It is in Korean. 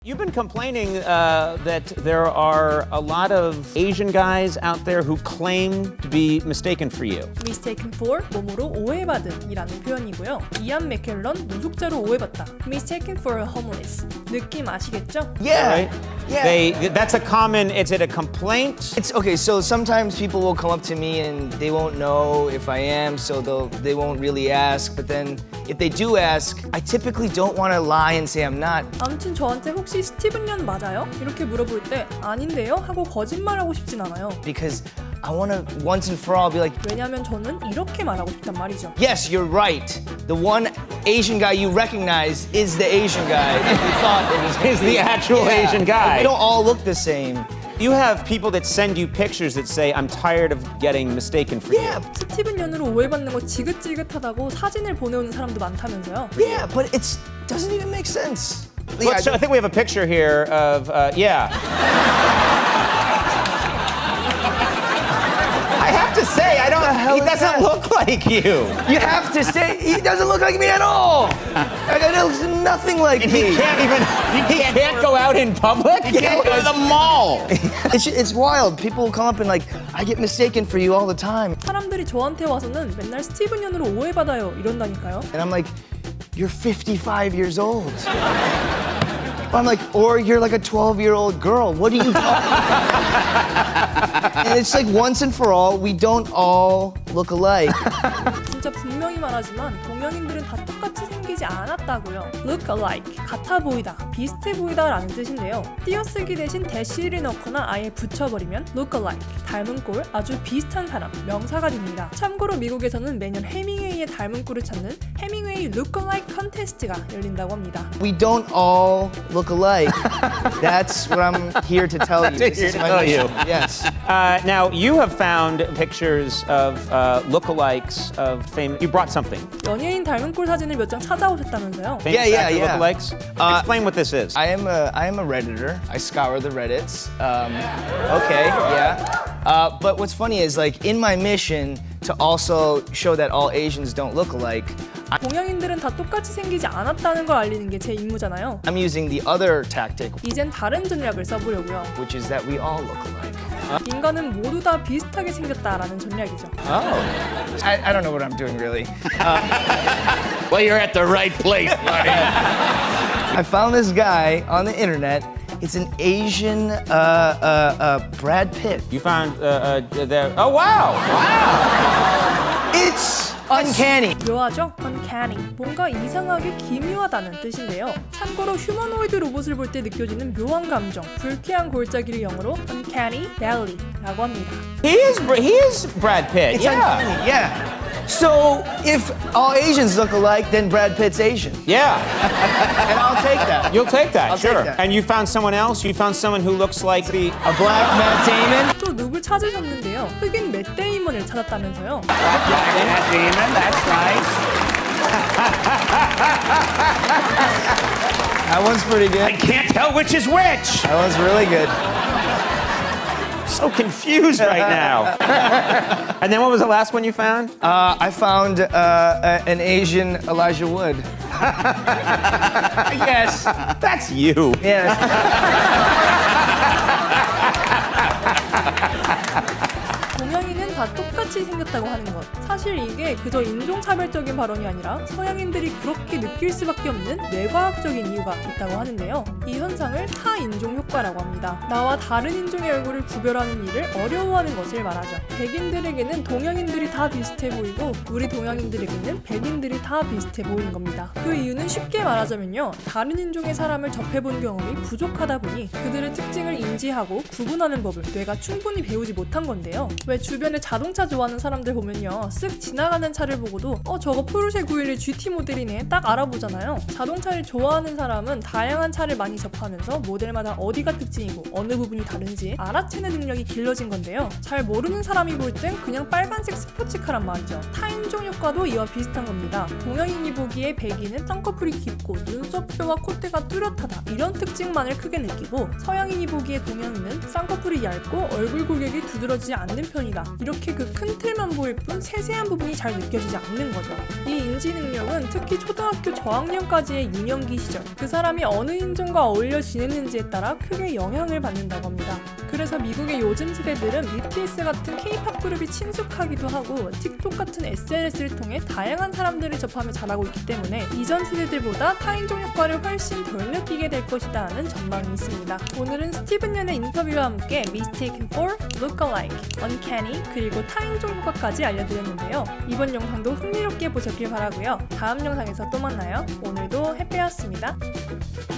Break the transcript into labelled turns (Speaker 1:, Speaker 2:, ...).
Speaker 1: You've been complaining that there are a lot of Asian guys out there who claim to be mistaken for you.
Speaker 2: mistaken for 뭐뭐로 오해받은이라는 표현이고요. 이안 맥켈런 노숙자로 오해받다. mistaken for a homeless. 느낌 아시겠죠?
Speaker 3: Yeah.
Speaker 1: Right?
Speaker 3: Yeah.
Speaker 1: That's a common. Is it a complaint?
Speaker 3: It's okay, so sometimes people will come up to me and they won't know if I am, so they won't really ask. But then if they do ask, I typically don't want to lie and say I'm not.
Speaker 2: 아무튼 저한테 혹시 스티븐 연 맞아요? 이렇게 물어볼 때 아닌데요? 하고 거짓말하고 싶진 않아요.
Speaker 3: Because I want to once and for all be like,
Speaker 2: 왜냐면 저는 이렇게 말하고 싶단 말이죠.
Speaker 3: yes, you're right. The one Asian guy you recognize is the Asian guy. If you thought it was
Speaker 1: Is the actual
Speaker 3: Yeah.
Speaker 1: Asian guy?
Speaker 3: We don't all look the same.
Speaker 1: You have people that send you pictures that say, "I'm tired of getting mistaken for you."
Speaker 3: Yeah,
Speaker 2: 스티븐 연으로 오해받는 거 지긋지긋하다고 사진을 보내오는 사람도 많다면서요.
Speaker 3: yeah, but it doesn't even make sense.
Speaker 1: Let's show- I think we have a picture here of yeah. I have to say, I don't.
Speaker 3: hell
Speaker 1: He
Speaker 3: is
Speaker 1: doesn't
Speaker 3: that?
Speaker 1: look like you.
Speaker 3: You have to say he doesn't look like me at all. Like, it looks nothing like
Speaker 1: He
Speaker 3: me.
Speaker 1: can't even. He can't go out in public. He can't go to the mall.
Speaker 3: It's wild. People will come up and like, I get mistaken for you all the time.
Speaker 2: 사람들이 저한테 와서는 맨날 스티븐 연으로 오해받아요 이런다니까요.
Speaker 3: And I'm like, you're 55 years old. I'm like, or you're like a 12-year-old girl. What are you And it's like once and for all, we don't all look alike.
Speaker 2: 진짜 분명히 말하지만 동양인들은 다 똑같이 생기지 않았다고요. look alike, 같아 보이다, 비슷해 보이다라는 뜻인데요. 띄어쓰기 대신 대시를 넣거나 아예 붙여버리면 look alike, 닮은 꼴, 아주 비슷한 사람, 명사가 됩니다. 참고로 미국에서는 매년 해밍웨이의 닮은 꼴을 찾는 해밍웨이 look alike 컨테스트가 열린다고 합니다.
Speaker 3: We don't all look alike. That's what I'm here to tell you.
Speaker 1: That's here to tell you.
Speaker 3: Yes.
Speaker 1: Now you have found pictures of lookalikes of famous. You brought something.
Speaker 2: 연예인 닮은 꼴 사진을 몇 장 찾아오셨다면서요?
Speaker 1: Famous
Speaker 3: Yeah,
Speaker 1: actor
Speaker 3: yeah.
Speaker 1: lookalikes. Explain what this is.
Speaker 3: I am a Redditor. I scour the Reddits. Okay, yeah. But what's funny is like in my mission to also show that all Asians don't look alike,
Speaker 2: 동양인들은 다 똑같이 생기지 않았다는 걸 알리는 게 제 임무잖아요.
Speaker 3: I'm using the other tactic,
Speaker 2: 이젠 다른 전략을 써보려고요.
Speaker 3: which is that we all look alike.
Speaker 2: 인간은 모두 다 비슷하게 생겼다라는 전략이죠.
Speaker 3: I don't know what I'm doing really.
Speaker 4: Well, you're at the right place, buddy.
Speaker 3: I found this guy on the internet. It's an Asian Brad Pitt.
Speaker 1: You found there. Oh wow! Wow!
Speaker 3: It's uncanny.
Speaker 2: 묘하죠? uncanny. 뭔가 이상하게 기묘하다는 뜻인데요. 참고로 휴머노이드 로봇을 볼 때 느껴지는 묘한 감정, 불쾌한 골짜기를 영어로 uncanny valley라고 합니다.
Speaker 1: He is Brad Pitt.
Speaker 3: It's
Speaker 1: Yeah.
Speaker 3: uncanny. Yeah. So if all Asians look alike, then Brad Pitt's Asian,
Speaker 1: Yeah.
Speaker 3: and I'll take that.
Speaker 1: You'll take that.
Speaker 3: I'll take
Speaker 1: Sure.
Speaker 3: that.
Speaker 1: And you found someone else. You found someone who looks like the.
Speaker 3: A black Matt Damon.
Speaker 2: 또 누굴 찾으셨는데요? 흑인 맷 데이먼을 찾았다면서요?
Speaker 4: Matt Damon, that's nice.
Speaker 3: That one's pretty
Speaker 4: I
Speaker 3: good.
Speaker 4: can't tell which is which.
Speaker 3: That one's really good.
Speaker 1: So confused right now. And then what was the last one you found?
Speaker 3: I found an Asian Elijah Wood.
Speaker 1: Yes. That's you.
Speaker 3: Yeah.
Speaker 2: 동양인은 다 똑같이 생겼다고 하는 것. 사실 이게 그저 인종차별적인 발언이 아니라 서양인들이 그렇게 느낄 수밖에 없는 뇌과학적인 이유가 있다고 하는데요. 이 현상을 타인종 효과라고 합니다. 나와 다른 인종의 얼굴을 구별하는 일을 어려워하는 것을 말하죠. 백인들에게는 동양인들이 다 비슷해 보이고 우리 동양인들에게는 백인들이 다 비슷해 보이는 겁니다. 그 이유는 쉽게 말하자면요. 다른 인종의 사람을 접해본 경험이 부족하다 보니 그들의 특징을 인지하고 구분하는 법을 뇌가 충분히 배우지 못한 건데요. 왜 주변에 자동차 좋아하는 사람들 보면요. 쓱 지나가는 차를 보고도 저거 포르쉐 911 GT 모델이네 딱 알아보잖아요. 자동차를 좋아하는 사람은 다양한 차를 많이 접하면서 모델마다 어디가 특징이고 어느 부분이 다른지 알아채는 능력이 길러진 건데요. 잘 모르는 사람이 볼 땐 그냥 빨간색 스포츠카란 말이죠. 타인종 효과도 이와 비슷한 겁니다. 동양인이 보기에 백인은 쌍꺼풀이 깊고 눈썹뼈와 콧대가 뚜렷하다 이런 특징만을 크게 느끼고 서양인이 보기에 동양인은 쌍꺼풀이 얇고 얼굴 골격이 두드러지지 않는 편이다 이렇게 그 큰 틴틀만 보일 뿐 세세한 부분이 잘 느껴지지 않는 거죠. 이 인지 능력은 특히 초등학교 저학년까지의 유년기 시절 그 사람이 어느 인종과 어울려 지냈는지에 따라 크게 영향을 받는다고 합니다. 그래서 미국의 요즘 세대들은 BTS 같은 K-팝 그룹이 친숙하기도 하고 틱톡 같은 SNS를 통해 다양한 사람들을 접하며 자라고 있기 때문에 이전 세대들보다 타인종 효과를 훨씬 덜 느끼게 될 것이다 하는 전망이 있습니다. 오늘은 스티븐 연의 인터뷰와 함께 Mistaken for, Look-alike, Uncanny, 그리고 타인종 효과까지 알려드렸는데요. 이번 영상도 흥미롭게 보셨길 바라고요. 다음 영상에서 또 만나요. 오늘도 해피였습니다.